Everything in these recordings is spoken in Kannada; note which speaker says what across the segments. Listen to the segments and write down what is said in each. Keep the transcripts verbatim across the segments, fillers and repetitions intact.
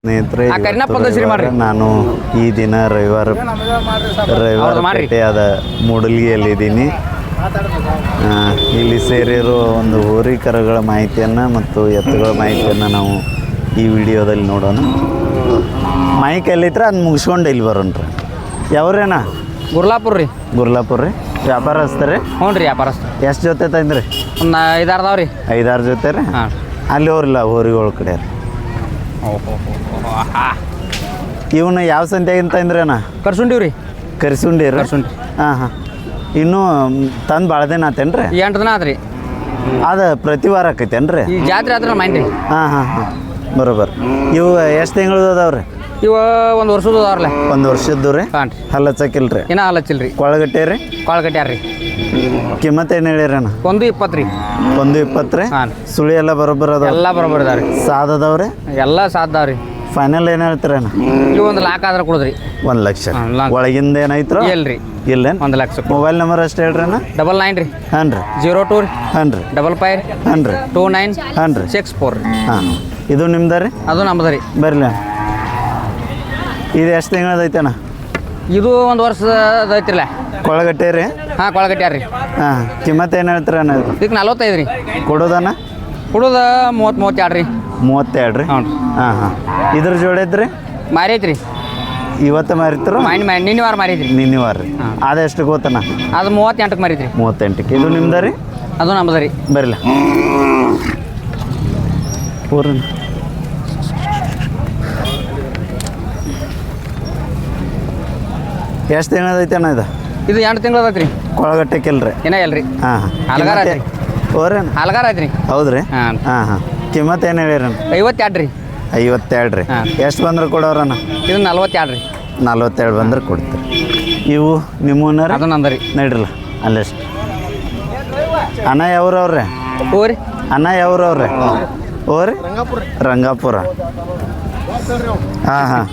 Speaker 1: ಸ್ನೇಹಿತರೆ, ನಾನು ಈ ದಿನ ರವಿವಾರ ರವಿವಾರ ಪೇಟೆಯಾದ ಮೂಡಲ್ಗಿಯಲ್ಲಿದ್ದೀನಿ. ಇಲ್ಲಿ ಸೇರಿರೋ ಒಂದು ಹೋರಿಕರುಗಳ ಮಾಹಿತಿಯನ್ನು ಮತ್ತು ಎತ್ತುಗಳ ಮಾಹಿತಿಯನ್ನು ನಾವು ಈ ವಿಡಿಯೋದಲ್ಲಿ ನೋಡೋಣ. ಮೈಕ್ ಎಲ್ಲಿತ್ರ ಅದು ಮುಗಿಸ್ಕೊಂಡು ಇಲ್ಲಿ ಬರೋಣ್ರಿ. ಯಾವ್ರೇನಾ?
Speaker 2: ಗುರ್ಲಾಪುರ ರೀ.
Speaker 1: ಗುರ್ಲಾಪುರ ರೀ. ವ್ಯಾಪಾರಸ್ತಾರೆ?
Speaker 2: ಹ್ಞೂ ರೀ, ವ್ಯಾಪಾರಸ್ತ.
Speaker 1: ಎಷ್ಟು ಜೊತೆ ತಂದ್ರಿ?
Speaker 2: ಒಂದು ಐದಾರು ಅದಾವ ರೀ.
Speaker 1: ಐದಾರು ಜೊತೆ ರೀ?
Speaker 2: ಹಾಂ.
Speaker 1: ಅಲ್ಲಿ ಹೋರಿಲ್ಲ ಹೋರಿಗಳ ಕಡೆ ರೀ. ಇವನ್ನ ಯಾವ ಸಂತೆಗಿಂತ ತಂದ್ರೇನ?
Speaker 2: ಕರ್ಸುಂಡಿವ್ ರೀ.
Speaker 1: ಕರ್ಸುಂಡಿ ರೀ?
Speaker 2: ಕರ್ಸುಂಡಿ.
Speaker 1: ಹಾಂ ಹಾಂ. ಇನ್ನೂ ತಂದು ಭಾಳ ದಿನ ಆತೇನು ರೀ?
Speaker 2: ಎಂಟು ದಿನ ಆತ್ರಿ.
Speaker 1: ಅದು ಪ್ರತಿ ವಾರ ಆಕೈತೇನು ರೀ?
Speaker 2: ಈ ಜಾತ್ರೆ ಆದ್ರೆ ಮೈನ್ ರೀ.
Speaker 1: ಹಾಂ ಹಾಂ ಹಾಂ, ಬರೋಬರ್. ಇವು ಎಷ್ಟು ತಿಂಗಳದ್ದು ಅದಾವ್ರಿ?
Speaker 2: ಇವ ಒಂದು ವರ್ಷದ ಅದಾವ್ರಲ್ಲ.
Speaker 1: ಒಂದು ವರ್ಷದ್ದು ರೀ?
Speaker 2: ಹಾಂ ರೀ.
Speaker 1: ಹಲ್ಲ ಹಚ್ಚಕಿಲ್ಲ ರೀ?
Speaker 2: ಇನ್ನೂ ಹಲ್ಲ ಹಚ್ಚಿಲ್ಲ ರೀ.
Speaker 1: ಕೊಳಗಟ್ಟೆ ರೀ?
Speaker 2: ಕೊಳಗಟ್ಟ್ಯಾರ ರೀ.
Speaker 1: ಕಿಮ್ಮತ್ತು ಏನು ಹೇಳಿರಣ್ಣ?
Speaker 2: ಒಂದು ಇಪ್ಪತ್ತು ರೀ.
Speaker 1: ಒಂದು ಇಪ್ಪತ್ತು ರೀ?
Speaker 2: ಹಾಂ.
Speaker 1: ಸುಳಿ ಎಲ್ಲ ಬರೋಬ್ಬರ ಅದಾವ?
Speaker 2: ಎಲ್ಲ ಬರೋಬ್ಬರ ಅದಾವ ರೀ.
Speaker 1: ಸಾದ್ ಅದಾವ್ರಿ?
Speaker 2: ಎಲ್ಲ ಸಾದ್ದಾವ ರೀ.
Speaker 1: ಫೈನಲ್ ಏನು ಹೇಳ್ತೀರಣ್ಣ?
Speaker 2: ಇವು ಒಂದು ಲಾಕ್ ಆದ್ರೆ ಕೊಡುದ್ರಿ.
Speaker 1: ಒಂದು ಲಕ್ಷ
Speaker 2: ಹಾಂ, ಲಾಕ್.
Speaker 1: ಒಳಗಿಂದ ಏನೈತ್ರೋ?
Speaker 2: ಇಲ್ಲ ರೀ.
Speaker 1: ಇಲ್ಲೇನು?
Speaker 2: ಒಂದು ಲಕ್ಷ.
Speaker 1: ಮೊಬೈಲ್ ನಂಬರ್ ಅಷ್ಟು ಹೇಳ್ರಿ ಅಣ್ಣ.
Speaker 2: ಡಬಲ್ ನೈನ್ ರೀ.
Speaker 1: ಹಾಂ ರೀ.
Speaker 2: ಜೀರೋ ಟೂ ರೀ.
Speaker 1: ಹಾಂ ರೀ.
Speaker 2: ಡಬಲ್ ಫೈವ್
Speaker 1: ಹಾಂ ರೀ.
Speaker 2: ಟೂ ನೈನ್
Speaker 1: ಹಾಂ ರೀ.
Speaker 2: ಸಿಕ್ಸ್ ಫೋರ್ ರೀ.
Speaker 1: ಹಾಂ, ಇದು ನಿಮ್ದು ರೀ?
Speaker 2: ಅದು ನಮ್ಮದು ರೀ.
Speaker 1: ಬರಲಿ. ಇದು ಎಷ್ಟು ತಿಂಗಳದೈತೆ ಅಣ್ಣ?
Speaker 2: ಇದು ಒಂದು ವರ್ಷದ ಐತಿರಲ್ಲ.
Speaker 1: ಕೊಳಗಟ್ಟೆ ರೀ?
Speaker 2: ಹಾಂ, ಕೊಳಗಟ್ಟ್ಯಾರ ರೀ.
Speaker 1: ಹಾಂ, ಕಿಮ್ಮತ್ತು ಏನು ಹೇಳ್ತೀರ ಅಣ್ಣ?
Speaker 2: ಇದಕ್ಕೆ ನಲ್ವತ್ತೈದು ರೀ.
Speaker 1: ಕೊಡೋದಣ್ಣ?
Speaker 2: ಕೊಡೋದು ಮೂವತ್ತು ಮೂವತ್ತೆರಡು ರೀ.
Speaker 1: ಮೂವತ್ತೆರಡು ರೀ?
Speaker 2: ಹ್ಞೂ ರೀ.
Speaker 1: ಹಾಂ ಹಾಂ. ಇದ್ರ ಜೋಡೈತ್ರಿ?
Speaker 2: ಮಾರೈತಿ ರೀ.
Speaker 1: ಇವತ್ತು ಮಾರಿದ್ರು?
Speaker 2: ಮೈನ್ ಮೈನ್ ನಿನ್ನೆ ವಾರ ಮಾರೈತಿ ರೀ.
Speaker 1: ನಿನ್ನೆ ವಾರ ರೀ? ಅದೆಷ್ಟು ಗೊತ್ತಣ್ಣ?
Speaker 2: ಅದು ಮೂವತ್ತೆಂಟಕ್ಕೆ ಮಾರೈತಿ ರೀ.
Speaker 1: ಮೂವತ್ತೆಂಟಕ್ಕೆ. ಇದು ನಿಮ್ದು ರೀ?
Speaker 2: ಅದು ನಮ್ಮದು ರೀ.
Speaker 1: ಬರಲ್ಲ. ಪೂರ್ಣ ಎಷ್ಟು ತಿಂಗಳದೈತೆ ಅಣ್ಣ ಇದು?
Speaker 2: ಇದು ಎಂಟು ತಿಂಗಳು ಅದೈತೆ ರೀ.
Speaker 1: ಕೊಳಗಟ್ಟೆಕಿಲ್ರಿ?
Speaker 2: ಏನೋ ಇಲ್ಲ ರೀ.
Speaker 1: ಹಾಂ ಹಾಂ.
Speaker 2: ಹಲಗಾರ ಐತೆ ರೀ.
Speaker 1: ಓರೇನು?
Speaker 2: ಹಲಗಾರ ಐತೆ ರೀ.
Speaker 1: ಹೌದು ರೀ?
Speaker 2: ಹಾಂ
Speaker 1: ಹಾಂ ಹಾಂ. ಕಿಮ್ಮತ್ತು ಏನು ಹೇಳಿರಣ್ಣ?
Speaker 2: ಐವತ್ತೆರಡು ರೀ.
Speaker 1: ಐವತ್ತೆರಡು ರೀ?
Speaker 2: ಹಾಂ.
Speaker 1: ಎಷ್ಟು ಬಂದ್ರೆ ಕೊಡೋರಣ್ಣ?
Speaker 2: ಇದು ನಲ್ವತ್ತೆರಡು ರೀ.
Speaker 1: ನಲ್ವತ್ತೆರಡು ಬಂದ್ರೆ ಕೊಡ್ತೀರಿ. ಇವು ನಿಮ್ಮನ್ನ ರೀ?
Speaker 2: ಅದು ನಂದು ರೀ.
Speaker 1: ನಡ್ರಲ್ಲ ಅಲ್ಲೆಷ್ಟು. ಅಣ್ಣ ಯಾವ್ರವ್ರೆ?
Speaker 2: ಓ ರೀ.
Speaker 1: ಅಣ್ಣ ಯಾವ್ರವ್ರೆ? ಓ ರೀ? ರಂಗಾಪುರ. ಹಾಂ ಹಾಂ.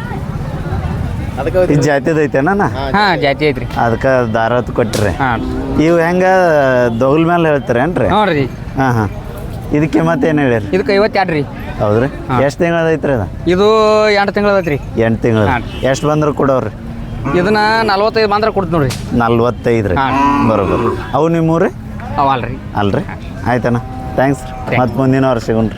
Speaker 1: ಇದು ಜಾತಿದೈತೇನ?
Speaker 2: ಹಾಂ, ಜಾತಿ ಐತ್ರಿ.
Speaker 1: ಅದಕ್ಕೆ ದಾರತ್ ಕೊಟ್ಟಿರಿ.
Speaker 2: ಹಾಂ.
Speaker 1: ಇವು ಹೆಂಗೆ ದೊಗಲ್ ಮೇಲೆ ಹೇಳ್ತೀರೇನು ರೀ?
Speaker 2: ಹ್ಞೂ ರೀ.
Speaker 1: ಹಾಂ ಹಾಂ. ಇದಕ್ಕೆ ಮತ್ತೆ ಏನು ಹೇಳಿರಿ?
Speaker 2: ಇದಕ್ಕೆ ಐವತ್ತೆರಡು ರೀ.
Speaker 1: ಹೌದು ರೀ? ಎಷ್ಟು ತಿಂಗಳದೈತ್ರಿ ಅದು?
Speaker 2: ಇದು ಎಂಟು ತಿಂಗಳು ಐತೆ ರೀ.
Speaker 1: ಎಂಟು ತಿಂಗಳು. ಎಷ್ಟು ಬಂದ್ರೆ ಕೊಡೋರಿ?
Speaker 2: ಇದನ್ನ ನಲ್ವತ್ತೈದು ಬಂದ್ರೆ ಕೊಡ್ತು ನೋಡ್ರಿ.
Speaker 1: ನಲ್ವತ್ತೈದು ರೀ?
Speaker 2: ಹಾಂ.
Speaker 1: ಬರೋಬರ್. ಅವು ನಿಮ್ಮೂರಿ?
Speaker 2: ಅವಲ್ಲ ರೀ.
Speaker 1: ಅಲ್ರಿ? ಆಯ್ತಣ್ಣ, ಥ್ಯಾಂಕ್ಸ್ ರೀ. ಮತ್ತು ಮುಂದಿನ ವರ್ಷ ಸಿಗೋಣ್ರಿ.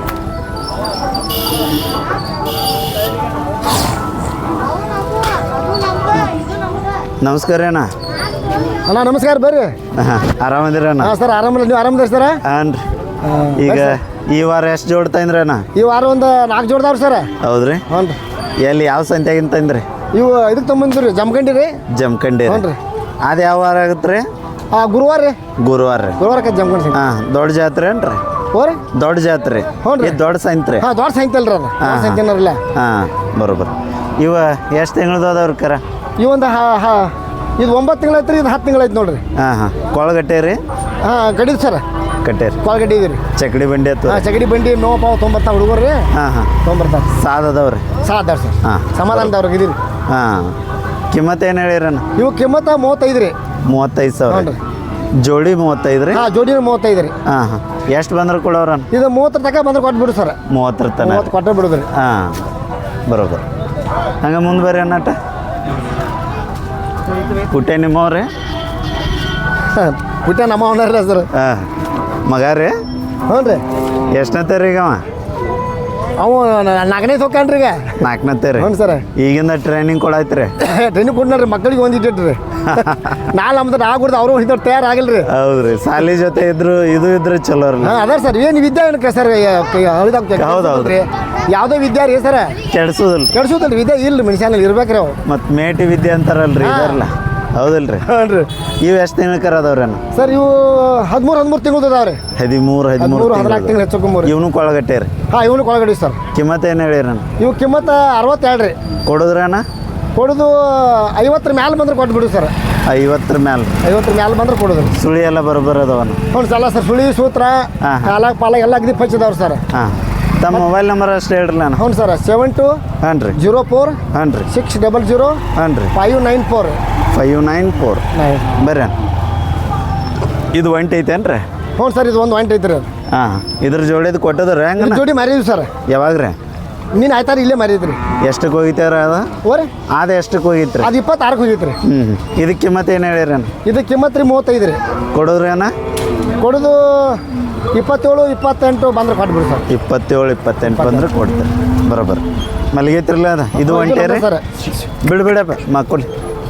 Speaker 1: ನಮಸ್ಕಾರ ಅಣ್ಣ.
Speaker 3: ಅಣ್ಣ ನಮಸ್ಕಾರ, ಬರ್ರಿ.
Speaker 1: ಹಾಂ, ಆರಾಮದಿರ ಅಣ್ಣ?
Speaker 3: ಹಾಂ ಸರ್, ಆರಾಮಲ್ಲ. ನೀವು ಆರಾಮದಿರಿ ಸರ?
Speaker 1: ಹಾಂ ರೀ. ಈಗ ಈ ವಾರ ಎಷ್ಟು ಜೋಡ್ ತಂದ್ರಿ ಅಣ್ಣ?
Speaker 3: ಈ ವಾರ ಒಂದು ನಾಲ್ಕು ಜೋಡ್ದಾವ್ರಿ ಸರ್.
Speaker 1: ಹೌದ್ರಿ?
Speaker 3: ಹ್ಞೂ ರೀ.
Speaker 1: ಎಲ್ಲಿ ಯಾವ ಸಂತ್ಯಾಗಿಂತ ತಂದ್ರಿ?
Speaker 3: ಇವು ಇದಕ್ಕೆ ತೊಗೊಂಬಂದ್ರಿ, ಜಮಖಂಡಿ ರೀ.
Speaker 1: ಜಮಖಂಡಿ?
Speaker 3: ಹ್ಞೂ ರೀ.
Speaker 1: ಅದು ಯಾವ ವಾರ ಆಗುತ್ತೆ ರೀ?
Speaker 3: ಹಾಂ, ಗುರುವಾರ ರೀ.
Speaker 1: ಗುರುವಾರ ರೀ?
Speaker 3: ಗುರುವಾರಕ್ಕೆ ಜಮಖಂಡಿ.
Speaker 1: ಹಾಂ, ದೊಡ್ಡ ಜಾತ್ರೆ ಏನ್ರಿ?
Speaker 3: ಹೋ ರೀ,
Speaker 1: ದೊಡ್ಡ ಜಾತ್ರೆ.
Speaker 3: ಹ್ಞೂ ರೀ.
Speaker 1: ದೊಡ್ಡ ಸಂತ್ರಿ?
Speaker 3: ಹಾಂ, ದೊಡ್ಡ ಸಾಯಂಕಾಲ ರೀ. ಅದು ದೊಡ್ಡ ಸಾಯಂಕಾಲ.
Speaker 1: ಹಾಂ, ಬರೋಬರ್. ಇವ ಎಷ್ಟು ತಿಂಗಳದ್ದು ಅದಾವ್ರಿ ಕರ?
Speaker 3: ಈ ಒಂದು ಹಾ ಹಾ ಇದು ಒಂಬತ್ತು ತಿಂಗಳು ಐತ್ರಿ. ಇದು ಹತ್ತು ತಿಂಗಳು ಐತೆ ನೋಡ್ರಿ.
Speaker 1: ಹಾಂ ಹಾಂ. ಕೊಳಗಟ್ಟೆ ರೀ?
Speaker 3: ಹಾಂ, ಗಡಿದು ಸರ್.
Speaker 1: ಕಟ್ಟೆ ರೀ?
Speaker 3: ಕೊಳಗಡ್ಡಿ ಇದೆ ರೀ.
Speaker 1: ಚಕಡಿ ಬಂಡಿ ಅಥವಾ?
Speaker 3: ಹಾಂ, ಚಗಡಿ ಬಂಡಿ ನೋವು ಪಾವು ತೊಂಬರ್ತಾವ ಹುಡುಗರು ರೀ.
Speaker 1: ಹಾಂ ಹಾಂ.
Speaker 3: ತೊಂಬರ್ತಾವ.
Speaker 1: ಸಾದ್ ಅದಾವ್ರಿ?
Speaker 3: ಸಾಧಾರ ಸರ್.
Speaker 1: ಹಾಂ,
Speaker 3: ಸಮಾಧಾನದವ್ರಿಗೆ ಇದೀರಿ.
Speaker 1: ಹಾಂ. ಕಿಮ್ಮತ್ತು ಏನು ಹೇಳಿರಣ್ಣ?
Speaker 3: ಇವು ಕಿಮ್ಮತ್ತ ಮೂವತ್ತೈದು ರೀ.
Speaker 1: ಮೂವತ್ತೈದು ಸಾವಿರ?
Speaker 3: ಹ್ಞೂ ರೀ.
Speaker 1: ಜೋಡಿ ಮೂವತ್ತೈದು ರೀ?
Speaker 3: ಹಾಂ, ಜೋಡಿನ ಮೂವತ್ತೈದು ರೀ.
Speaker 1: ಹಾಂ ಹಾಂ. ಎಷ್ಟು ಬಂದ್ರೆ ಕೊಡೋರಣ್ಣ?
Speaker 3: ಇದು ಮೂವತ್ತರ ತನಕ ಬಂದ್ರೆ ಕೊಟ್ಟು ಬಿಡು ಸರ್.
Speaker 1: ಮೂವತ್ತರ ತನಕ?
Speaker 3: ಮೂವತ್ತು ಕೊಟ್ಟರೆ ಬಿಡುದು ರೀ.
Speaker 1: ಹಾಂ, ಬರೋಬರ್. ಹಂಗೆ ಮುಂದೆ ಬರ್ರಿ ಅಣ್ಣಟ. ಪುಟ್ಟೆ ನಿಮ್ಮವ್ರಿ?
Speaker 3: ಹಾಂ, ಪುಟ್ಟ ನಮ್ಮ ಅವನಲ್ಲ ಸರ್.
Speaker 1: ಹಾಂ, ಮಗ ರೀ?
Speaker 3: ಹ್ಞೂ ರೀ.
Speaker 1: ಎಷ್ಟನತ್ತೆ ರೀ ಈಗ ಅವ?
Speaker 3: ಅವು ನಾಲ್ಕನೇ ಸೊಕ್ಕನ್ರಿ ಈಗ.
Speaker 1: ನಾಲ್ಕನತ್ತೆ ರೀ?
Speaker 3: ಹ್ಞೂ ಸರ್.
Speaker 1: ಈಗಿಂದ ಟ್ರೈನಿಂಗ್ ಕೊಡಾಯ್ತು ರೀ?
Speaker 3: ಟ್ರೈನಿಂಗ್ ಕೊಡ್ನಾರಿ ಮಕ್ಕಳಿಗೆ ಒಂದು ಇಟ್ಟಿಟ್ಟು ರೀ. ನಾಳೆ ನಮ್ದು ನಾ ಕೊಡ್ದು ಅವರು ಹಿಂದೆ ತಯಾರಾಗಿಲ್ಲ ರೀ.
Speaker 1: ಹೌದು ರೀ. ಸಾಲಿ ಜೊತೆ ಇದ್ರು ಇದು ಇದ್ರೆ ಚಲೋ ರೀ.
Speaker 3: ಹಾಂ, ಅದ ಸರ್. ಏನು ವಿದ್ಯಾ ಏನಕ್ಕೆ ಸರ್?
Speaker 1: ಹೌದು ಹೌದು
Speaker 3: ರೀ. ಯಾವುದೋ ವಿದ್ಯಾ ರೀ ಸರ.
Speaker 1: ಕೆಡ್ಸೋದಲ್ಲ?
Speaker 3: ಕೆಡ್ಸೋದಲ್ಲ ವಿದ್ಯಾ ಇಲ್ಲ ರೀ. ಮನುಷ್ಯನಲ್ಲಿ ಇರ್ಬೇಕ್ರಿ ಅವು.
Speaker 1: ಮತ್ತು ಮೇಟಿ ವಿದ್ಯೆ ಅಂತಾರಲ್ರಿ, ಇದಾರಲ್ಲ? ಹೌದಲ್ರಿ?
Speaker 3: ಹಾಂ ರೀ.
Speaker 1: ಇವು ಎಷ್ಟು ತಿಂಗಳ ಕರ ಅದಾವ್ರಿ ಅಣ್ಣ?
Speaker 3: ಸರ್, ಇವು ಹದಿಮೂರು ಹದಿಮೂರು ತಿಂಗಳು ಅದಾವ್ರಿ.
Speaker 1: ಹದಿಮೂರು ಹದಿಮೂರು
Speaker 3: ಹದಿನಾಲ್ಕು ತಿಂಗಳು ಹೆಚ್ಚು.
Speaker 1: ಇವನು ಕೊಳಗಟ್ಟೆ ರೀ?
Speaker 3: ಹಾಂ, ಇವನು ಕೊಳಗಡಿ ಸರ್.
Speaker 1: ಕಿಮ್ಮತ್ತು ಏನು ಹೇಳಿರಣ್ಣ?
Speaker 3: ಇವು ಕಿಮ್ಮತ್ತ ಅರವತ್ತೆರಡು ರೀ.
Speaker 1: ಕೊಡೋದ್ರಿ ಅಣ್ಣ?
Speaker 3: ಕೊಡೋದು ಐವತ್ತರ ಮ್ಯಾಲೆ ಬಂದ್ರೆ ಕೊಟ್ಟು ಬಿಡು ಸರ್.
Speaker 1: ಐವತ್ತರ ಮ್ಯಾಲೆ?
Speaker 3: ಐವತ್ತರ ಮ್ಯಾಲೆ ಬಂದ್ರೆ ಕೊಡೋದು.
Speaker 1: ಸುಳಿ ಎಲ್ಲ ಬರೋಬ್ಬರ ಅದಾವಣ್ಣ?
Speaker 3: ಹ್ಞೂ ಸಲ ಸರ್. ಸುಳಿ ಸೂತ್ರ ಕಾಲ ಪಾಲ ಎಲ್ಲ ಅಗದಿ ಪಚ್ಚಿದಾವ್ರಿ ಸರ್.
Speaker 1: ಹಾಂ. ತಮ್ಮ ಮೊಬೈಲ್ ನಂಬರ್ ಅಷ್ಟು ಹೇಳ್ರಿ ನಾನು.
Speaker 3: ಹ್ಞೂ ಸರ್. ಸೆವೆನ್ ಟು
Speaker 1: ಹಾಂ ರೀ
Speaker 3: ಜೀರೋ ಫೋರ್
Speaker 1: ಹಾಂ ರೀ
Speaker 3: ಸಿಕ್ಸ್ ಡಬಲ್ ಜೀರೋ
Speaker 1: ಹಾಂ ರೀ
Speaker 3: five nine four
Speaker 1: five nine four ಬರ್ರಿ. ಇದು ಒಂಟಿ ಐತೇನು ರೀ?
Speaker 3: ಹ್ಞೂ ಸರ್. ಇದು ಒಂದು ಒಂಟಿ ಐತ್ರಿ.
Speaker 1: ಹಾಂ, ಇದ್ರ ಜೋಡಿದು ಕೊಟ್ಟದ್ರಿ ಹೆಂಗೆ?
Speaker 3: ಜೋಡಿ ಮಾರಿದ್ವಿ ಸರ್.
Speaker 1: ಯಾವಾಗ ರೀ?
Speaker 3: ನೀನು ಆಯ್ತಾರ ಇಲ್ಲೇ ಮರೀತ್ರಿ
Speaker 1: ಎಷ್ಟಕ್ಕೆ ಹೋಗಿತ್ತಾರ ಅದ
Speaker 3: ಓರಿ
Speaker 1: ಅದ ಎಷ್ಟಕ್ಕೆ ಹೋಗಿತ್ರಿ
Speaker 3: ಅದು ಇಪ್ಪತ್ತಾರಕ್ಕೆ ಹೋಗಿತ್ರಿ
Speaker 1: ಹ್ಞೂ ಹ್ಞೂ ಇದಕ್ಕೆ ಕಿಮ್ಮತ್ತು ಏನು ಹೇಳಿರೇನು
Speaker 3: ಇದು ಕಿಮ್ಮತ್ತು ರೀ ಮೂವತ್ತೈದು ರೀ
Speaker 1: ಕೊಡೋದ್ರಿ ಅಣ್ಣ
Speaker 3: ಕೊಡೋದು ಇಪ್ಪತ್ತೇಳು ಇಪ್ಪತ್ತೆಂಟು ಬಂದ್ರೆ ಕೊಟ್ಬಿಡಿ ಸರ್
Speaker 1: ಇಪ್ಪತ್ತೇಳು ಇಪ್ಪತ್ತೆಂಟು ಬಂದ್ರೆ ಕೊಡ್ತಾರೆ ಬರೋಬ್ಬರ ಮಲಗೈತ್ರಲ್ಲ ಅದ ಇದು ಒಂಟೇರಿ
Speaker 3: ಸರ್
Speaker 1: ಬಿಡು ಬಿಡಪ್ಪ ಮಕ್ಕಳು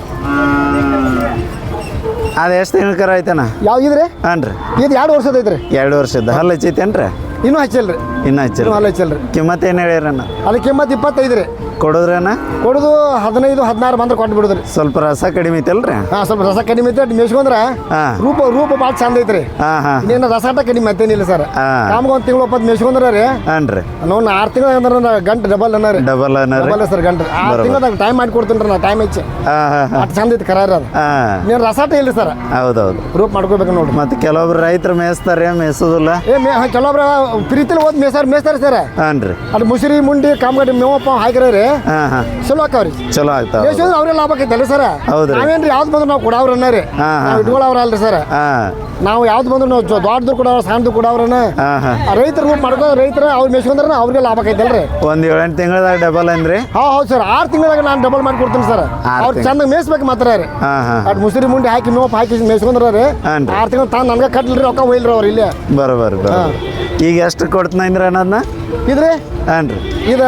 Speaker 1: ಅದು ಎಷ್ಟು ತಿಂಗಳ ಕರ ಐತಣ್ಣ
Speaker 3: ಯಾವ ಇದ್ರಿ
Speaker 1: ಹಾಂ ರೀ
Speaker 3: ಇದು ಎರಡು ವರ್ಷದ ಐತ್ರಿ
Speaker 1: ಎರಡು ವರ್ಷದ ಹಲ್ಲು ಹಚ್ಚೈತೇನು ರೀ
Speaker 3: ಇನ್ನೂ ಹಚ್ಚಲ್ರಿ
Speaker 1: ಇನ್ನೂ ಹಚ್ಚಿಲ್ಲ
Speaker 3: ಇನ್ನೂ ಹಲ್ಲು ಹಚ್ಚಲ್ರಿ
Speaker 1: ಕಿಮ್ಮತ್ತು ಏನು ಹೇಳ್ಯಾರಣ್ಣ
Speaker 3: ಅದು ಕಿಮ್ಮತ್ತು ಇಪ್ಪತ್ತೈದು ರೀ
Speaker 1: ಕೊಡೋದ್ರಣ್ಣ
Speaker 3: ಕೊಡೋದು ಹದಿನೈದು ಹದಿನಾರು ಬಂದ್ರೆ ಕೊಟ್ಟು ಬಿಡೋದ್ರಿ
Speaker 1: ಸ್ವಲ್ಪ ರಸ ಕಡಿಮೆ ಐತಲ್ರಿ
Speaker 3: ಹಾಂ ಸ್ವಲ್ಪ ರಸ ಕಡಿಮೆ ಐತೆ ಮೇಸ್ಕೊಂಡ್ರೆ
Speaker 1: ಹಾಂ
Speaker 3: ರೂಪ ರೂಪ ಭಾಳ ಚಂದ ಐತ್ರಿ
Speaker 1: ಹಾಂ ಹಾಂ
Speaker 3: ಇನ್ನೇನು ರಸಾಟ ಕಡಿಮೆ ಮತ್ತೇನಿಲ್ಲ ಸರ್
Speaker 1: ಹಾಂ
Speaker 3: ನಮ್ಗೆ ಒಂದು ತಿಂಗಳು ಒಪ್ಪತ್ತು ಮೇಸ್ಕೊಂಡ್ರೆ ರೀ
Speaker 1: ಹಾಂ ರೀ
Speaker 3: ನೋವು ಆರು ತಿಂಗಳು ಅಂದ್ರೆ ಗಂಟೆ ಡಬಲ್ ಅನ್ನ ರೀ
Speaker 1: ಡಬಲ್ ಅನ್ನ ರೀ
Speaker 3: ಡಬಲ್ ಸರ್ ಗಂಟೆ ಆರು ತಿಂಗಳದಾಗ ಟೈಮ್ ಮಾಡಿ ಕೊಡ್ತೀನಿ ರೀ ನಾ ಟೈಮ್ ಹೆಚ್ಚು
Speaker 1: ಹಾಂ ಹಾಂ ಹಾಂ
Speaker 3: ಅಷ್ಟು ಚಂದ ಐತಿ ಕರ ಅದು
Speaker 1: ಹಾಂ
Speaker 3: ನೀನು ರಸಾಟ ಇಲ್ಲ ಸರ್
Speaker 1: ಹೌದೌದು
Speaker 3: ರೂಪ್ ಮಾಡ್ಕೋಬೇಕು ನೋಡ್ರಿ
Speaker 1: ಮತ್ತು ಕೆಲವೊಬ್ರು ರೈತರು ಮೇಯಿಸ್ತಾರೆ ಮೇಯಿಸೋದಿಲ್ಲ
Speaker 3: ಏ ಮೇ ಕೆಲವೊಬ್ರು ಪ್ರೀತಿಲಿ ಓದ್ ಮೇಸಾರ ಮೇಸ್ತಾರೆ ಸರ್
Speaker 1: ಹಾಂ ರೀ
Speaker 3: ಅದು ಮುಸುರಿ ಮುಂಡಿ ಕಾಮಗಡ್ಡಿ ಮೇವಪ್ಪ ಹಾಕಿರ ರೀ
Speaker 1: ಹಾಂ ಹಾಂ
Speaker 3: ಚಲೋ ಆಕಾವ್ರಿ
Speaker 1: ಚಲೋ ಆಗ್ತಾವ
Speaker 3: ಮೇಸೋದ್ರೆ ಅವ್ರೇ ಲಾಭ ಆಕೈತಲ್ಲ ಸರ್
Speaker 1: ಹೌದ್ರಿ.
Speaker 3: ನಾವೇನ್ರಿ ಯಾವ್ದು ಬಂದ್ರು ನಾವು ಕೊಡವ್ರ ರೀ
Speaker 1: ಹಾಂ, ಹಾಂ.
Speaker 3: ನಾವು ಇಟ್ಕೊಳ್ಳೋವ್ರ ಅಲ್ರಿ ಸರ್
Speaker 1: ಹಾಂ
Speaker 3: ನಾವು ಯಾವ್ದು ಬಂದ್ರು ನಾವು ಜೊ- ದೊಡ್ಡದು ಕೊಡವ್ರ ಸಣ್ಣದು ಕೊಡವ್ರನ
Speaker 1: ಹಾಂ ಹಾಂ
Speaker 3: ರೈತರು ರೂಪ್ ಮಾಡ್ಕೋ ರೈತರು ಅವ್ರು ಮೇಸ್ಕೊಂಡ್ರೆ ಅವ್ರಿಗೆ ಲಾಭ ಆಕೈತಲ್ರಿ
Speaker 1: ಒಂದು ಏಳೆಂಟು ತಿಂಗಳದಾಗ ಡಬಲ್ ಅಂದ್ರಿ
Speaker 3: ಹಾ ಹೌದು ಸರ್ ಆರು ತಿಂಗಳಾಗ ನಾನು ಡಬಲ್ ಮಾಡಿ ಕೊಡ್ತೀನಿ ಸರ್
Speaker 1: ಆರ್
Speaker 3: ಅವ್ರು
Speaker 1: ತಿಂಗ್ಳು.
Speaker 3: ಚಂದ ಮೇಯಿಸ್ಬೇಕು ಮಾತ್ರ ರೀ
Speaker 1: ಹಾಂ ಹಾಂ
Speaker 3: ಅಟ್ ಮುಸುರಿ ಮುಂಡಿ ಹಾಕಿ ಮೇವಪ್ಪ ಹಾಕಿ ಮೇಯ್ಸ್ಕೊಂಡ್ರ ರೀ
Speaker 1: ಹಾಂ ರೀ
Speaker 3: ಆರು ತಿಂಗಳು ತಾನು ನನಗೆ ಕಟ್ಲಿರಿ ರೊಕ್ಕ ಒಯ್ಲ್ರಿ ಅವ್ರು ಇಲ್ಲೇ
Speaker 1: ಬರೋಬರ್ ಬರೋ
Speaker 3: ಹಾಂ.
Speaker 1: ಈಗ ಎಷ್ಟು ಕೊಡ್ತೀನಿ ಅಂದ್ರೆ ಅನ್ನೋದನ್ನ
Speaker 3: ಇದ್ರಿ
Speaker 1: ಹಾಂ ರೀ
Speaker 3: ಇದು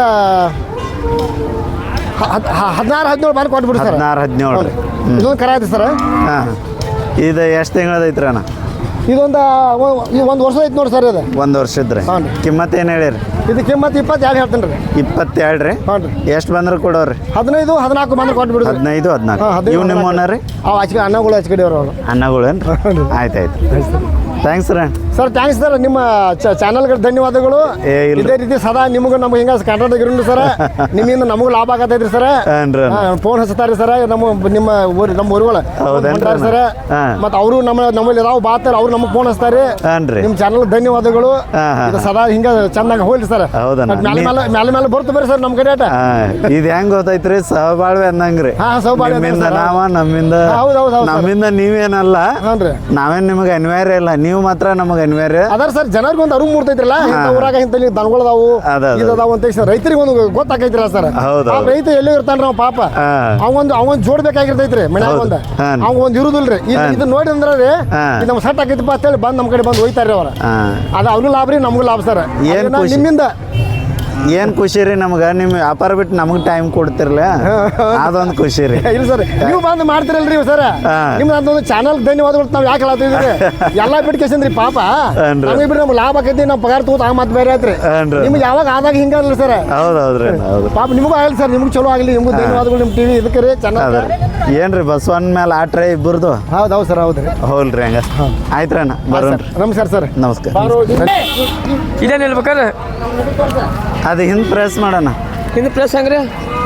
Speaker 3: ಹದಿನಾರು ಹದಿನೇಳು ಬಾರಿ ಕೊಟ್ಬಿಡಿ ಸರ್
Speaker 1: ಹದಿನಾರು ಹದಿನೇಳು ರೀ ಹ್ಞೂ
Speaker 3: ಇದೊಂದು ಕರ ಐತಿ ಸರ್
Speaker 1: ಹಾಂ ಇದು ಎಷ್ಟು ತಿಂಗಳದ ಐತ್ರಿ ಅಣ್ಣ
Speaker 3: ಇದೊಂದು ಈ ಒಂದು ವರ್ಷ ಐತಿ ನೋಡಿ ಸರ್ ಇದು
Speaker 1: ಒಂದು ವರ್ಷದ ರೀ
Speaker 3: ಹಾಂ ರೀ.
Speaker 1: ಕಿಮ್ಮತ್ತು ಏನು ಹೇಳಿರಿ
Speaker 3: ಇದು ಕಿಮ್ಮತ್ತು ಇಪ್ಪತ್ತೆರಡು ಹೇಳ್ತೀನಿ ರೀ
Speaker 1: ಇಪ್ಪತ್ತೆರಡು ರೀ
Speaker 3: ಹಾಂ ರೀ
Speaker 1: ಎಷ್ಟು ಬಂದ್ರೆ ಕೊಡೋರಿ
Speaker 3: ಹದಿನೈದು ಹದಿನಾಲ್ಕು ಬಂದ್ರೆ ಕೊಟ್ಬಿಡಿ
Speaker 1: ಹದಿನೈದು ಹದಿನಾಲ್ಕು
Speaker 3: ಹಾಂ ಹದಿನೈದು
Speaker 1: ಇವು ನಿಮ್ಮನ್ನ ರೀ
Speaker 3: ಅವು ಹಚ್ಕಡೆ ಅನ್ನಗಳು ಹಚ್ಕಡೆ ಅವರು
Speaker 1: ಅನ್ನಗಳೇನು ರೀ ಆಯ್ತು ಆಯ್ತು ಥ್ಯಾಂಕ್ಸ್ ರೀ
Speaker 3: ಸರ್ ಥ್ಯಾಂಕ್ಸ್ ಸರ್ ನಿಮ್ಮ ಚಾನಲ್ಗೆ ಧನ್ಯವಾದಗಳು
Speaker 1: ಏ, ಇಲ್ರಿ.
Speaker 3: ಇದೇ ರೀತಿ ಸದಾ ನಿಮಗೂ ನಮ್ಗೆ ಹಿಂಗೆ ಕಾಂಟ್ರಾಕ್ಟ್ ಇರೋಣ ಸರ್ ನಿಮ್ಮಿಂದ ನಮಗೂ ಲಾಭ ಆಗತೈತ್ರಿ ಸರ್
Speaker 1: ಹಾಂ ರೀ
Speaker 3: ಫೋನ್ ಹಚ್ತಾರೆ ಸರ್ ನಮ್ಮ ನಿಮ್ಮ ಊರು ನಮ್ಮ ಊರುಗಳು
Speaker 1: ಹೌದೇನ್ರಿ ಅಣ್ಣ?
Speaker 3: ಸರ್
Speaker 1: ಹಾಂ.
Speaker 3: ಮತ್ತು ಅವರು ನಮ್ಮ ನಮ್ಮಲ್ಲಿ ಯಾವ ಬಾತಾರೆ ಅವ್ರು ನಮಗೆ ಫೋನ್ ಹಚ್ತಾರೆ
Speaker 1: ಹಾಂ ರೀ
Speaker 3: ನಿಮ್ಮ ಚಾನಲ್ ಧನ್ಯವಾದಗಳು
Speaker 1: ಹಾಂ, ಹಾಂ,
Speaker 3: ಇದು ಸದಾ ಹಿಂಗೆ ಚಂದಂಗೆ ಹೋಗ್ಲಿ ಸರ್
Speaker 1: ಹೌದಣ್ಣ.
Speaker 3: ಮತ್ತ್ ಮ್ಯಾಲೆ
Speaker 1: ನೀ-
Speaker 3: ಮೇಲೆ ಮ್ಯಾಲೆ ಮೇಲೆ ಬರ್ತು ಬರ್ರಿ ಸರ್ ನಮ್ಮ ಕಡೆ ಆಟ
Speaker 1: ಹಾಂ ಇದು ಹೆಂಗ್ ಗೊತ್ತೈತ್ರಿ ಸಹಬಾಳ್ವೆ ಅನ್ನಂಗ್ರಿ
Speaker 3: ಹಾಂ ಸೌಭಾಗ್ಯ
Speaker 1: ನಿಮ್ಮಿಂದ
Speaker 3: ಸರ್.
Speaker 1: ನಾವ ನಮ್ಮಿಂದ
Speaker 3: ಹಾ, ಹೌದ್ ಹೌದ್ ಹೌದ್ ಸರ್.
Speaker 1: ನಮ್ಮಿಂದ ನೀವೇನಲ್ಲ
Speaker 3: ಹಾಂ ರೀ
Speaker 1: ನಾವೇನ್ ನಿಮಗೆ ಅನಿವಾರ್ಯ ಇಲ್ಲ ನೀವು ಮಾತ್ರ ನಮಗೆ ಅನಿವಾರ್ಯ
Speaker 3: ಅದಾರ ಸರ್ ಜನರಿಗೆ ಒಂದು ಅರಿವು ಮೂಡ್ತೈತ್ರಲ್ಲ ಇಂಥ ಊರಾಗ ಇಂಥ ದನಗಳದಾವು
Speaker 1: ಅದ, ಅದ.
Speaker 3: ಇದದಾವು ಅಂತ ಹೇಳಿ ಸರ್ ರೈತರಿಗೆ ಒಂದು ಗೊತ್ತಾಕೈತಿರ ಸರ್
Speaker 1: ಹೌದು,
Speaker 3: ಆ
Speaker 1: ಹೌದು.
Speaker 3: ರೈತ ಎಲ್ಲಿ ಇರ್ತಾನ ನಾವು ಪಾಪ
Speaker 1: ಹಾ.
Speaker 3: ಅವಂದು ಅವನ್ ಜೋಡ್ಬೇಕಾಗಿರ್ತೈತ್ರಿ ಮನ್ಯಾಗ
Speaker 1: ಹೌದು.
Speaker 3: ಒಂದ
Speaker 1: ಹಾ.
Speaker 3: ಅವ್ ಒಂದ್ ಇರುದಿಲ್ರಿ
Speaker 1: ಹಾ.
Speaker 3: ಇದು ನೋಡಿ ಅಂದ್ರೆ ರೀ
Speaker 1: ಹಾ.
Speaker 3: ಇದು ನಮ್ಗೆ ಸಟ್ ಆಕೈತಪ್ಪ ಅಂತೇಳಿ ಬಂದ್ ನಮ್ಮ ಕಡೆ ಬಂದು ಹೋಯ್ತಾರ್ರಿ ಅವ್ರ
Speaker 1: ಹಾಂ
Speaker 3: ಅದು ಅವ್ರಿಗೂ ಲಾಭ ರೀ ನಮಗೂ ಲಾಭ ಸರ್
Speaker 1: ಏನ್
Speaker 3: ಅದನ್ನ
Speaker 1: ಖುಷಿ?
Speaker 3: ನಿಮ್ಮಿಂದ
Speaker 1: ಏನ್ ಖುಷಿ ರೀ ನಮ್ಗೆ ನಿಮ್ಮ ವ್ಯಾಪಾರ ಬಿಟ್ಟು ನಮಗೆ ಟೈಮ್ ಕೊಡ್ತಿರ್ಲ ಅದೊಂದು ಖುಷಿ ರೀ
Speaker 3: ಇಲ್ಲ ಸರ್ ನೀವು ಬಂದು ಮಾಡ್ತಿರಲ್ರಿ ಸರ್
Speaker 1: ಹಾ.
Speaker 3: ನಿಮ್ದು ಅದೊಂದು ಚಾನಲ್ ಧನ್ಯವಾದಗಳು ನಾವು ಯಾಕೆ ಹೇಳತ್ತಿದ್ರಿ ಎಲ್ಲಾ ಬಿಟ್ಕೇಸನ್ರಿ ಪಾಪ
Speaker 1: ಹಾನ್ರಿ.
Speaker 3: ನಮಗೆ ಬಿಡ್ರಿ ನಮ್ಗೆ ಲಾಭ ಆಕೈತಿ ನಮ್ಮ ಪಗಾರ ತಗೋತ ಆ ಮಾತು ಬೇರೆ ಆಯ್ತ್ರಿ
Speaker 1: ಹಾನ್ರಿ.
Speaker 3: ನಿಮ್ಗೆ ಯಾವಾಗ ಆದಾಗ ಹಿಂಗಲ್ಲ ಸರ್
Speaker 1: ಹೌದು ಹೌದ್ರಿ ಹೌದು
Speaker 3: ಪಾಪ ನಿಮಗೂ ಆಗಲಿ ಸರ್ ನಿಮ್ಗೆ ಚಲೋ ಆಗಲಿ ನಿಮ್ಗೂ ಧನ್ಯವಾದಗಳು ನಿಮ್ಮ ಟಿವಿ ಇದಕ್ಕೆ ರೀ ಚೆನ್ನಾಗಿ
Speaker 1: ಅದ ಏನ್ರಿ ಬಸವನ್ ಮೇಲೆ ಆಟ್ರೆ ಇಬ್ಬರದು
Speaker 3: ಹೌದು ಹೌದು ಸರ್ ಹೌದು ರೀ
Speaker 1: ಹೋಲ್ರಿ ಹಂಗ ಆಯ್ತ್ರಿ ಅಣ್ಣ ಬರೋಣ್ರಿ
Speaker 3: ನಮಸ್ಕಾರ ಸರ್
Speaker 1: ನಮಸ್ಕಾರ
Speaker 2: ಇದೇನು ಹೇಳ್ಬೇಕಾದ್ರೆ
Speaker 1: ಅದು ಹಿಂದೆ ಪ್ರೆಸ್ ಮಾಡೋಣ
Speaker 2: ಇದು ಪ್ಲಸ್ ಹೆಂಗ್ರಿ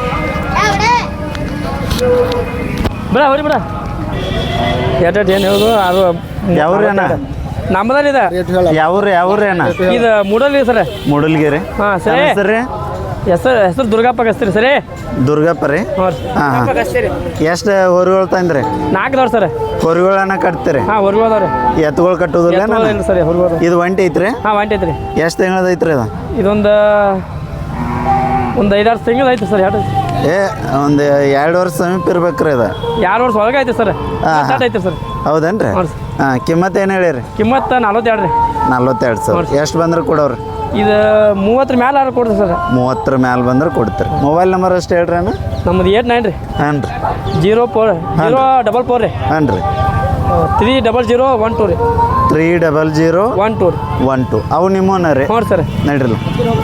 Speaker 2: ಬಿಡ ಅವ್ರಿ ಬಿಡ ಎಟ್ ಏನು ಹೇಳೋದು ಅದು
Speaker 1: ಯಾವ್ರಿ ಅಣ್ಣ
Speaker 2: ನಮ್ಮದಾರ ಇದೆ
Speaker 3: ರೇಟ್ ಹೇಳ
Speaker 1: ಯಾವ್ರಿ ಯಾವ್ರಿ ಅಣ್ಣ
Speaker 2: ಇದು ಮೂಡಲ್ ಇದೆ ಸರ್
Speaker 1: ಮೂಡಲ್ಗಿರಿ
Speaker 2: ಹಾಂ ಸರಿ
Speaker 1: ಹೆಸರು ರೀ
Speaker 2: ಹೆಸರು ಹೆಸರು ದುರ್ಗಪ್ಪ ಕಸ್ತೀರಿ ಸರಿ
Speaker 1: ದುರ್ಗಪ್ಪ ರೀ
Speaker 2: ಹ್ಞೂ ರೀ
Speaker 1: ಹಾಂ ಹಾಂ
Speaker 2: ಕಸ್ತೀರಿ
Speaker 1: ಎಷ್ಟು ಹೊರಿಗಳು ತಂದ್ರಿ
Speaker 2: ನಾಲ್ಕದವ್ರು ಸರ್
Speaker 1: ಹೊರಿಗಳನ್ನ ಕಟ್ತೀರಿ
Speaker 2: ಹಾಂ ಹೊರ್ಗೋದವ್ರಿ
Speaker 1: ಎತ್ತುಗಳು ಕಟ್ಟೋದಿಲ್ಲ
Speaker 2: ಇಲ್ಲ ಸರಿ ಹೊರ್ಗೋದು
Speaker 1: ಇದು ಒಂಟಿ ಐತ್ರಿ
Speaker 2: ಹಾಂ ಒಂಟಿ ಐತ್ರಿ
Speaker 1: ಎಷ್ಟು ತಿಂಗಳದ ಐತ್ರಿ ಅದು
Speaker 2: ಇದೊಂದು ಒಂದು ಐದಾರು ತಿಂಗಳು ಐತೆ ಸರ್ ಎರಡು
Speaker 1: ಏ ಒಂದು ಎರಡು ವರ್ಷ ಸಮೀಪ ಇರ್ಬೇಕ್ರಿ ಅದು
Speaker 2: ಎರಡು ವರ್ಷ ಒಳಗೆ ಐತೆ ಸರ್
Speaker 1: ಹಾ.
Speaker 2: ಸ್ಟಾರ್ಟ್ ಐತೆ ಸರ್
Speaker 1: ಹೌದೇನ್ರಿ
Speaker 2: ಹೌದು ಸರ್.
Speaker 1: ಹಾಂ ಕಿಮ್ಮತ್ತು ಏನು ಹೇಳಿರಿ
Speaker 2: ಕಿಮ್ಮತ್ತು ನಲ್ವತ್ತೆರಡು ರೀ
Speaker 1: ನಲ್ವತ್ತೆರಡು ಸಾವಿರ ಎಷ್ಟು ಬಂದ್ರೆ ಕೊಡೋರಿ
Speaker 2: ಇದು ಮೂವತ್ತರ ಮೇಲೆ ಆರ್ಡರ್ ಕೊಡ್ತೀವಿ ಸರ್
Speaker 1: ಮೂವತ್ತರ ಮ್ಯಾಲೆ ಬಂದ್ರೆ ಕೊಡ್ತೀರಿ ಮೊಬೈಲ್ ನಂಬರ್ ಅಷ್ಟು ಹೇಳ್ರಿ ಅಣ್ಣ
Speaker 2: ನಮ್ಮದು ಏಟ್ ನೈನ್ ರೀ
Speaker 1: ಹಾಂ ರೀ
Speaker 2: zero four zero double four ರೀ
Speaker 1: ಹಾಂ ರೀ
Speaker 2: three double zero one two ರೀ
Speaker 1: three double zero
Speaker 2: one two ರೀ
Speaker 1: ಒನ್ ಟು ಅವು ನಿಮ್ಮನ ರೀ
Speaker 2: ಹ್ಞೂ ಸರ್
Speaker 1: ನಡ್ರಿಲ್ಲ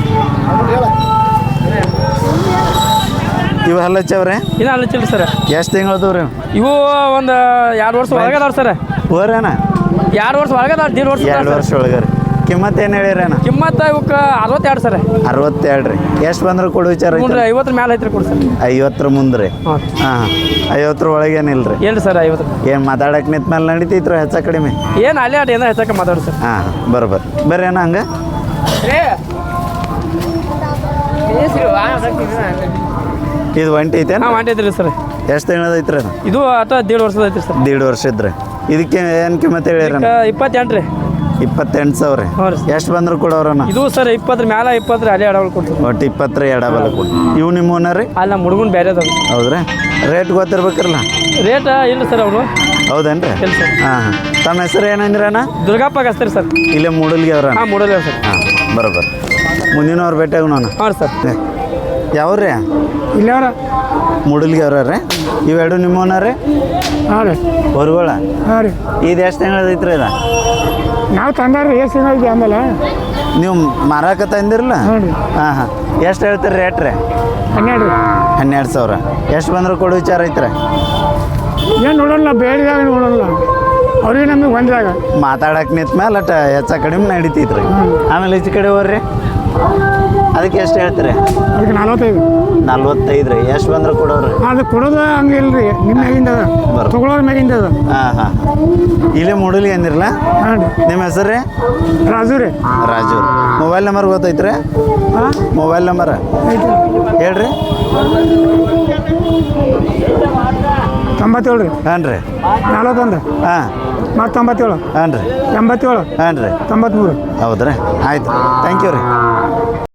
Speaker 1: ಇವು ಹಲ್ಲಚ್ಚವ್ರೆ
Speaker 2: ಇನ್ನೂ ಅಲ್ಲಿಚ್ಚಿಲ್ಲ ಸರ್
Speaker 1: ಎಷ್ಟು ತಿಂಗಳದವು ರೀ
Speaker 2: ಇವು ಒಂದು ಎರಡು ವರ್ಷ ಒಳಗದವ್ರು ಸರ್
Speaker 1: ಹೋರಣ್ಣ
Speaker 2: ಎರಡು ವರ್ಷ ಒಳಗದವ್ರು ದೀಡ್ ವರ್ಷ
Speaker 1: ಎರಡು ವರ್ಷ ಒಳಗೆ ರೀ ಕಿಮ್ಮತ್ತು ಏನು ಹೇಳಿರಿ ಅಣ್ಣ
Speaker 2: ಕಿಮ್ಮತ್ತು ಇವಕ್ಕೆ ಅರವತ್ತೆರಡು ಸರ್
Speaker 1: ಅರವತ್ತೆರಡು ರೀ ಎಷ್ಟು ಬಂದ್ರೆ ಕೊಡು ವಿಚಾರ
Speaker 2: ಹ್ಞೂ
Speaker 1: ಐತೆ
Speaker 2: ರೀ ಐವತ್ತರ ಮೇಲೆ ಐತ್ರಿ ಕೊಡಿ ಸರ್
Speaker 1: ಐವತ್ತರ ಮುಂದೆ ರೀ
Speaker 2: ಹಾಂ
Speaker 1: ಹಾಂ ಐವತ್ತರ ಒಳಗೆ ಏನಿಲ್ಲ ರೀ
Speaker 2: ಏನು ಸರ್ ಐವತ್ತು
Speaker 1: ಏನು ಮಾತಾಡಕ್ಕೆ ನಿಂತ ಮೇಲೆ ನಡೀತೈತ್ರಿ ಹೆಚ್ಚ ಕಡಿಮೆ
Speaker 2: ಏನು ಅಲ್ಲೇ ಅಡ್ಡಿ ಏನೋ ಹೆಚ್ಚಕ್ಕೆ ಮಾತಾಡಿ ಸರ್
Speaker 1: ಹಾಂ ಬರೋಬ್ಬರ ಬರ್ರಿ ಅಣ್ಣ ಹಂಗೆ ಇದು ಒಂಟಿ ಐತೆ
Speaker 2: ಹಾಂ ಮಾಡೈತ್ರಿ ಸರ್
Speaker 1: ಎಷ್ಟು ತಿಂಗಳದ ಐತ್ರಿ ಅದು
Speaker 2: ಇದು ಆಟ ದೇಡ್ ವರ್ಷದ ಐತ್ರಿ ಸರ್
Speaker 1: ದೀಡ್ ವರ್ಷ ಇದ್ರಿ ಇದಕ್ಕೆ ಏನು ಕಿಮ್ಮತ್ತು ಹೇಳಿರಿ
Speaker 2: ಈಗ ಇಪ್ಪತ್ತೆಂಟು ರೀ
Speaker 1: ಇಪ್ಪತ್ತೆಂಟು ಸಾವಿರ ರೀ
Speaker 2: ಹ್ಞೂ ರೀ.
Speaker 1: ಎಷ್ಟು ಬಂದ್ರೆ ಕೊಡೋರಣ್ಣ
Speaker 2: ಇದು ಸರ್ ಇಪ್ಪತ್ತರ ಮ್ಯಾಲ ಇಪ್ಪತ್ತರ ಅಲ್ಲೇ ಅಡವಲ್ ಕೊಡ್ತೀವಿ.
Speaker 1: ಒಟ್ಟು ಇಪ್ಪತ್ತರ ಎಡಬಲ ಕೊಡಿ ಇವು ನಿಮ್ಮ ಓನರ್ ರೀ
Speaker 2: ಅಲ್ಲಿ ನಮ್ಮ ಹುಡುಗನ ಬೇರೆ ಅದಾವ.
Speaker 1: ಹೌದ್ರಿ ರೇಟ್ ಗೊತ್ತಿರ್ಬೇಕ್ರಲ್ಲ
Speaker 2: ರೇಟ್ ಇಲ್ಲ ಸರ್ ಅವರು.
Speaker 1: ಹೌದೇನ್ರಿ
Speaker 2: ಇಲ್ಲ ಸರ್.
Speaker 1: ಹಾಂ ಹಾಂ ತಮ್ಮ ಹೆಸರು ಏನಂದ್ರೆ ಅಣ್ಣ
Speaker 2: ದುರ್ಗಪ್ಪ ಹಚ್ತಾರೆ ಸರ್.
Speaker 1: ಇಲ್ಲೇ ಮೂಡಲ್ಗೆ ಅವ್ರ
Speaker 2: ಹಾಂ ಮೂಡಲ್ಲ ಸರ್.
Speaker 1: ಹಾಂ ಬರೋಬ್ಬರ ಮುಂದಿನವ್ರು ಭೇಟಿಯಾಗ ನಾನು
Speaker 2: ಹಾಂ ಸರ್.
Speaker 1: ಯಾವ್ರಿ
Speaker 3: ಇಲ್ಲವ್ರ
Speaker 1: ಮೂಡಲ್ಗೆ ಅವ್ರ ರೀ ಇವೆರಡು ನಿಮ್ಮ ಓನರ್ ರೀ
Speaker 3: ಹಾಂ ರೀ
Speaker 1: ಹೊರಗಳ
Speaker 3: ಹಾಂ ರೀ
Speaker 1: ಇದು ಎಷ್ಟು ತಿಂಗಳು ಐತ್ರಿ ಇದು
Speaker 3: ನಾವು ತಂದಾರ ಎಷ್ಟು ದಿನ ಐತಿ ಆಮೇಲೆ
Speaker 1: ನೀವು ಮಾರಾಕ ತಂದಿರಲ್ಲ
Speaker 3: ಹ್ಞೂ ರೀ
Speaker 1: ಹಾಂ ಹಾಂ ಎಷ್ಟು ಹೇಳ್ತೀರಿ ರೇಟ್ ರೀ
Speaker 3: ಹನ್ನೆರಡು ರೀ
Speaker 1: ಹನ್ನೆರಡು ಸಾವಿರ ಎಷ್ಟು ಬಂದ್ರೆ ಕೊಡೋ ವಿಚಾರ ಐತ್ರಿ
Speaker 3: ಏನು ನೋಡೋಲ್ಲ ಬೇಡಿದಾಗ ನೋಡೋಲ್ಲ ಅವ್ರಿಗೆ ನಮಗೆ ಬಂದಾಗ
Speaker 1: ಮಾತಾಡಕ್ಕೆ ನಿಂತ ಮೇಲೆ ಅಟ ಹೆಚ್ಚ ಕಡಿಮೆ ನಡೀತೈತ್ರಿ ಆಮೇಲೆ ಈಚೆ ಕಡೆ ಹೋಗ್ರಿ ಅದಕ್ಕೆ ಎಷ್ಟು ಹೇಳ್ತೀರಿ
Speaker 3: ಅದಕ್ಕೆ ನಲ್ವತ್ತೈದು
Speaker 1: ನಲ್ವತ್ತೈದು ರೀ ಎಷ್ಟು ಬಂದ್ರೆ ಕೊಡೋರಿ
Speaker 3: ಅದು ಕೊಡೋದು ಹಂಗೆ ಇಲ್ಲ ರೀ ನಿಮ್ಮ ಮ್ಯಾಗಿಂದ ಅದ
Speaker 1: ಬರ್
Speaker 3: ತೊಗೊಳೋದ್ರ ಮ್ಯಾಗಿಂದ ಅದ
Speaker 1: ಹಾಂ ಹಾಂ ಇಲ್ಲೇ ಮೂಡಲಿ ಅಂದಿರಲ್ಲ
Speaker 3: ಹಾಂ ರೀ
Speaker 1: ನಿಮ್ಮ ಹೆಸರು ರೀ
Speaker 3: ರಾಜು ರೀ
Speaker 1: ರಾಜು ಮೊಬೈಲ್ ನಂಬರ್ ಗೊತ್ತೈತ್ರಿ
Speaker 3: ಹಾಂ
Speaker 1: ಮೊಬೈಲ್ ನಂಬರ್
Speaker 3: ಐತಿ
Speaker 1: ಹೇಳ್ರಿ
Speaker 3: ತೊಂಬತ್ತೇಳು ರೀ
Speaker 1: ಹಾಂ ರೀ
Speaker 3: ನಲ್ವತ್ತೊಂದು
Speaker 1: ಹಾಂ
Speaker 3: ಮತ್ತು ತೊಂಬತ್ತೇಳು
Speaker 1: ಹಾಂ ರೀ
Speaker 3: ಎಂಬತ್ತೇಳು
Speaker 1: ಹಾಂ ರೀ
Speaker 3: ತೊಂಬತ್ತ್ಮೂರು
Speaker 1: ಹೌದ್ರಿ ಆಯ್ತು ಥ್ಯಾಂಕ್ ಯು ರೀ